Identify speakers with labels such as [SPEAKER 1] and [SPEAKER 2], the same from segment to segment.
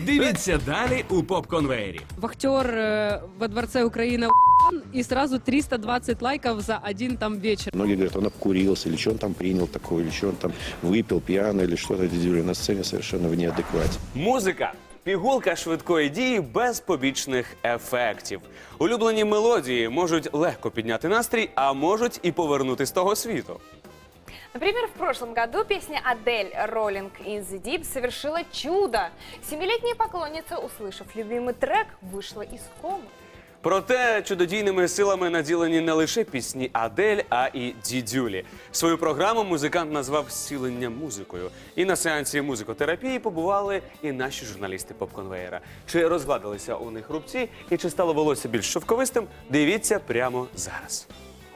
[SPEAKER 1] Дивіться далі у поп-конвеєрі.
[SPEAKER 2] Вахтер во Дворце Украины и сразу 320 лайков за один там вечер.
[SPEAKER 3] Многие говорят, он обкурился, или что он там принял такое, или что он там выпил пьяно, или что-то. Дидюля на сцене совершенно в неадеквате.
[SPEAKER 4] Музика. Пігулка швидкої дії без побічних ефектів. Улюблені мелодії можуть легко підняти настрій, а можуть і повернути з того світу.
[SPEAKER 5] Например, в прошлом году песня Адель «Rolling in the Deep» совершила чудо. Семилетняя поклонница, услышав любимый трек, вышла из комы.
[SPEAKER 4] Проте чудодійними силами наділені не лише пісні Адель, а і Дідюлі. Свою програму музикант назвав «Зцілення музикою». І на сеансі музикотерапії побували і наші журналісти поп-конвеєра. Чи розгладилися у них рубці і чи стало волосся більш шовковистим, дивіться прямо зараз.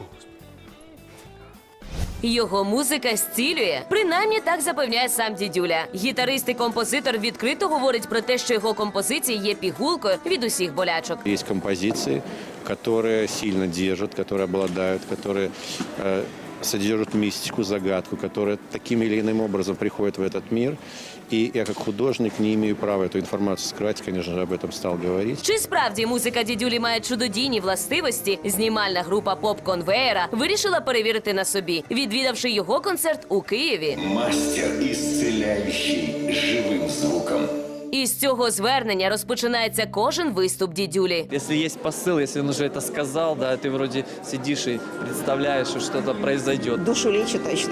[SPEAKER 6] Його музика зцілює. Принаймні так запевняє сам Дідюля. Гітарист і композитор відкрито говорить про те, що його композиції є пігулкою від усіх болячок.
[SPEAKER 3] Есть композиции, которые сильно держат, которые обладают, которые содержат мистику, загадку, которые таким или иным образом приходят в этот мир. И я как художник не имею права эту информацию скрывать, конечно же, об этом стал говорить.
[SPEAKER 6] Чи справді музика Дідюлі має чудодійні властивості? Знімальна група поп-конвеєра вирішила перевірити на собі, відвідавши його концерт у Києві.
[SPEAKER 7] Мастер, исцеляющий живым звуком.
[SPEAKER 6] І з цього звернення розпочинається кожен виступ Дідюлі.
[SPEAKER 8] Если есть посыл, если он уже это сказал, да, ты вроде сидишь и представляешь, что что-то произойдет.
[SPEAKER 9] Душу лечит точно.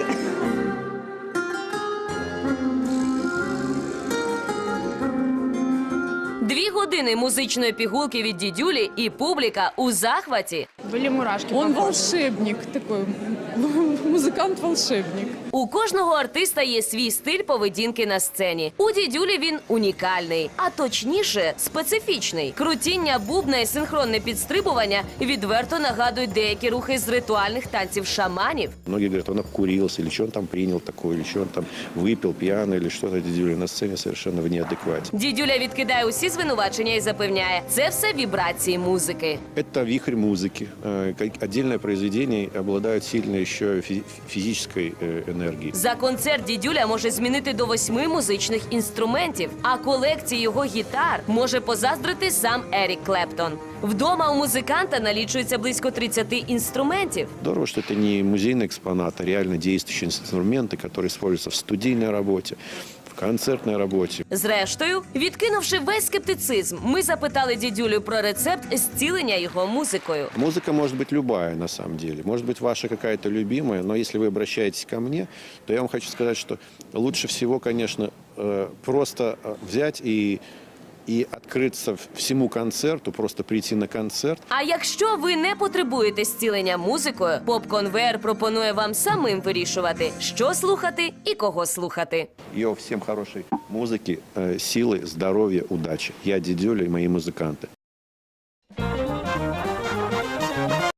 [SPEAKER 6] Дві години музичної пігулки від Дідюлі і публіка у захваті.
[SPEAKER 2] Были мурашки.
[SPEAKER 10] Он волшебник такой, музыкант-волшебник.
[SPEAKER 6] У кожного артиста є свій стиль поведінки на сцені. У Дідюлі він унікальний, а точніше специфічний. Крутіння бубна і синхронне підстрибування відверто нагадують деякі рухи з ритуальних танців шаманів.
[SPEAKER 3] Многие говорят, он обкурился, или что он там принял такое, или что он там выпил пьяно, или что-то. Дидюля на сцене совершенно в неадеквате.
[SPEAKER 6] Дідюля відкидає усі звинувачення і запевняє, це все вібрації музики.
[SPEAKER 3] Это вихрь музыки. Отдельное произведение обладает сильной еще физической энергией.
[SPEAKER 6] За концерт Дідюля може змінити до 8 музичних інструментів, а колекції його гітар може позаздрити сам Ерік Клептон. Вдома у музиканта налічується близько 30 інструментів.
[SPEAKER 3] Здорово, что это не музейный экспонат, а реально действующие инструменты, которые используются в студийной работе, в концертной работе.
[SPEAKER 6] Зрештою, відкинувши весь скептицизм, ми запитали Дідюлю про рецепт зцілення його музикою.
[SPEAKER 3] Музыка может быть любая, на самом деле. Может быть, ваша какая-то любимая, но если вы обращаетесь ко мне, то я вам хочу сказать, что лучше всего, конечно, просто взять и открыться всему концерту, просто прийти на концерт.
[SPEAKER 6] А якщо ви не потребуєте зцілення музикою, поп-конвеєр пропонує вам самим вирішувати, що слухати і кого слухати.
[SPEAKER 3] Йо, всем хорошей музыки, силы, здоровья, удачи. Я Дидюля и мои музыканты.